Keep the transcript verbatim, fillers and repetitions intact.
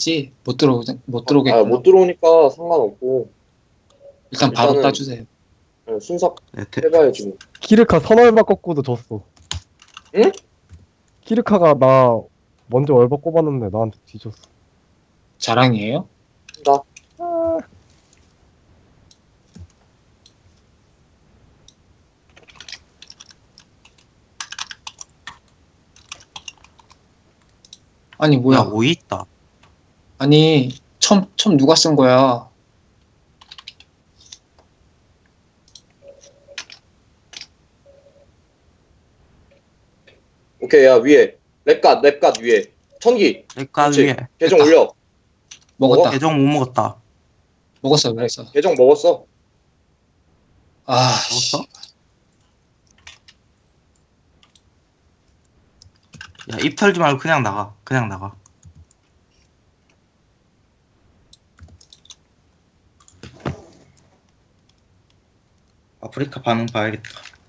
따겠지. 못 들어 못 아, 들어오겠구나. 못 들어오니까 상관없고 일단 바로 일단은- 따주세요. 그냥 순삭 네, 대, 해봐야지 뭐. 키르카 선얼바 꺾고도 졌어. 응? 키르카가 나 먼저 얼바 꼽았는데 나한테 뒤졌어. 자랑이에요? 나 아, 아니 뭐야? 야, 오이 있다. 아니 첨, 첨 누가 쓴 거야? 오케이. 야 위에 랩갓 랩갓 위에 천기 내가 그렇지. 위에. 계정 내가 올려. 먹었다. 계정 못 먹었다. 먹었어, 먹었어. 계정 먹었어. 아, 먹었어? 야, 입 털지 말고 그냥 나가. 그냥 나가. 아프리카 반응 봐야겠다.